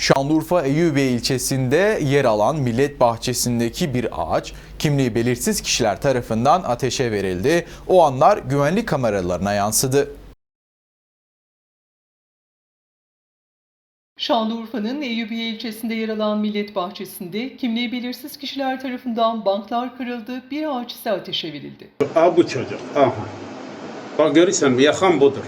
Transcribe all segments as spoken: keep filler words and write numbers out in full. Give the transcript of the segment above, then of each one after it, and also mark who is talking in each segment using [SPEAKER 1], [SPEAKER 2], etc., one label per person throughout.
[SPEAKER 1] Şanlıurfa Eyyubiye ilçesinde yer alan Millet Bahçesi'ndeki bir ağaç kimliği belirsiz kişiler tarafından ateşe verildi. O anlar güvenlik kameralarına yansıdı.
[SPEAKER 2] Şanlıurfa'nın Eyyubiye ilçesinde yer alan Millet Bahçesi'nde kimliği belirsiz kişiler tarafından banklar kırıldı, bir ağaç ise ateşe verildi.
[SPEAKER 3] Aa, bu çocuk. Aha. Bak görürsen yakan budur.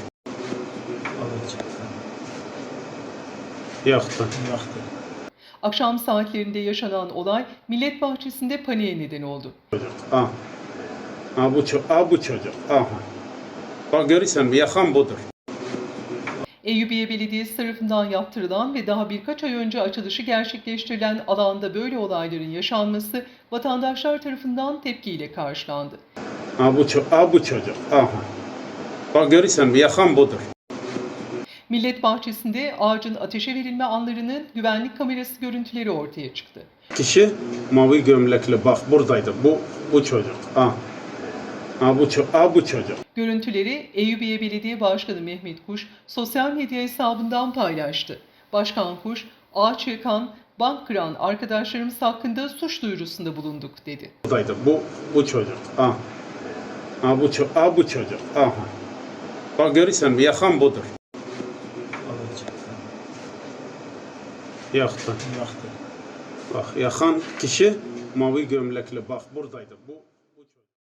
[SPEAKER 3] Yaktı. Yaktı.
[SPEAKER 2] Akşam saatlerinde yaşanan olay Millet Bahçesi'nde paniğe neden oldu.
[SPEAKER 3] Çocuk. Aha. Aa, bu çocuk. Aa, bu çocuk. Aha. Bak görürsen yakan budur.
[SPEAKER 2] Eyyubiye Belediyesi tarafından yaptırılan ve daha birkaç ay önce açılışı gerçekleştirilen alanda böyle olayların yaşanması vatandaşlar tarafından tepkiyle karşılandı.
[SPEAKER 3] Aa, bu çocuk. Aa, bu çocuk. Aha. Bak görürsen yakan budur.
[SPEAKER 2] Millet Bahçesi'nde ağacın ateşe verilme anlarının güvenlik kamerası görüntüleri ortaya çıktı.
[SPEAKER 3] Kişi mavi gömlekli, bak buradaydı. Bu bu çocuk. Aha. Aa, bu çocuk. Aa, bu çocuk.
[SPEAKER 2] Görüntüleri Eyyubiye Belediye Başkanı Mehmet Kuş sosyal medya hesabından paylaştı. Başkan Kuş, ağaç yakan, bank kıran arkadaşlarımız hakkında suç duyurusunda bulunduk dedi.
[SPEAKER 3] Buradaydı. Bu bu çocuk. Aha. Aa, bu çocuk. Aa, bu çocuk. Aha. Bak görürsen yakan budur. Yaktı. Yaktı. Bak yakan kişi mavi gömlekli, bak buradaydı. Bu